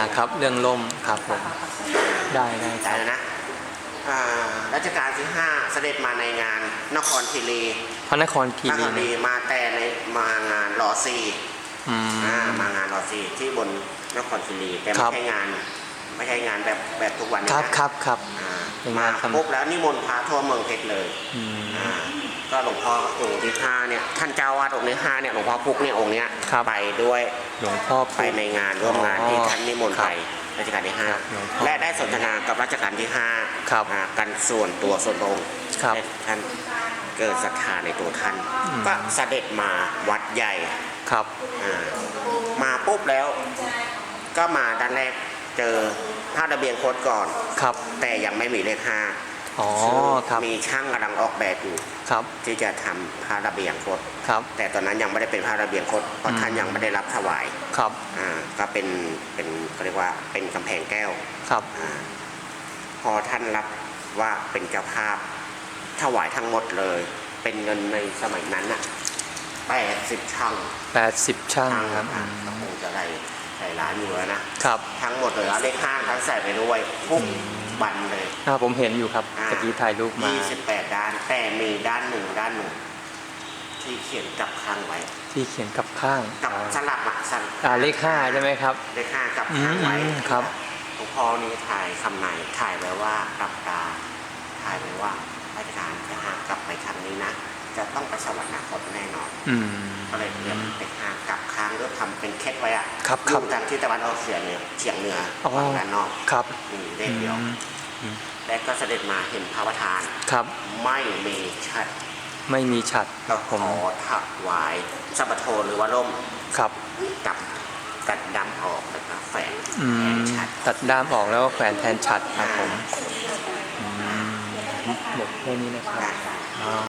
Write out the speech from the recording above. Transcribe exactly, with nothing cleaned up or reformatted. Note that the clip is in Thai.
ครับเรื่องล่มครับผมได้ได้คได้รับแล้วนะอ่ารัชกาลที่ห้าเสด็จมาในงานนครคีรีพระนครคีนครีรคีรีมาแต่ในมางานรอซีอืมอ่ามางานรอซีที่บนนครคีรีแต่ครัไม่บใช่งานไม่ใช่งานแบบแบบทุกวันนี้ครับนะครับครับอ่าเป็นมางานทำปุ๊บแล้วนิมนต์พระทั่วเมืองเพชรเลยอืมอ่าก็หลวงพ่อองค์ที่ห้าเนี่ยท่านเจ้าวาดองค์ที่ห้าเนี่ยหลวงพ่อพุกเนี่ยองค์เนี้ยครับไปด้วยหลวงพ่อไปในงานร่วมงานที่ท่านนิมนต์ครับไปรัชกาลที่ห้าครับหลวงพ่อและได้สนทนากับรัชกาลที่ห้าครับอ่ากันส่วนตัวส่วนพระองค์ครับให้ท่านเกิดศรัทธาในตัวท่านอืมก็เสด็จมาวัดใหญ่ครับอ่ามาปุ๊บแล้วก็มาด้านแรกเจอผ้าระเบียงโคตรก่อนครับแต่ยังไม่มีเลขห้าอ๋อซึ่งครับมีช่างกำลังออกแบบอยู่ครับที่จะทำผ้าระเบียงโคตรครับแต่ตอนนั้นยังไม่ได้เป็นผ้าระเบียงโคตรเพราะอืมท่านยังไม่ได้รับถวายครับอ่าก็เป็นเป็นเขาเรียกว่าเป็นกำแพงแก้วครับอาพอท่านรับว่าเป็นเจ้าภาพถวายทั้งหมดเลย เป็นเงินในสมัยนั้นน่ะแปดสิบช่างแปดสิบช่างช่างครับอือ่ะมก็คงจะได้ใส่ร้านอยู่แล้วนะครับ ทั้งหมดเลยเอาเลขห้าทั้งใส่ไปด้วยทุกบันเลยอ่าผมเห็นอยู่ครับอ่าตะกี้ถ่ายรูปมายี่สิบแปดด้านแต่มีด้านหนึ่งด้านหนึ่งที่เขียนกับข้างไว้ที่เขียนกับข้างกับอ๋อสลับอะสลับอ่าเลขห้าใช่ไหมครับเลขห้ากับข้างไว้อืมครับหลวงพ่อนี่ถ่ายคำไหนถ่ายไว้ว่ากับตาถ่ายไว้ว่าราชการจะหากกลับไปครั้งนี้นะ จะต้องไปสวรรคตแน่นอนอืมก็เลยเตรียมไปหากกลับค้างแล้วทำเป็นเคล็ดไว้อะครับอครับยู่ทางที่ตะวันออกเฉียงเหนือเฉียงเหนืออ๋อฝั่งด้านนอกครับมีเลขเดียวอืมและก็เสด็จมาเห็นพระประธานครับไม่มีชัดไม่มีฉัดก็ผมขอถวายสัปโทหรือว่าล่มครับกับกัดดำออกแล้วก็แฝงอืแทมนชัดตัดด้ามออกแล้วก็แขวนแทนฉัดครับผมอืมหมดแค่นี้นะครับได้อ๋อ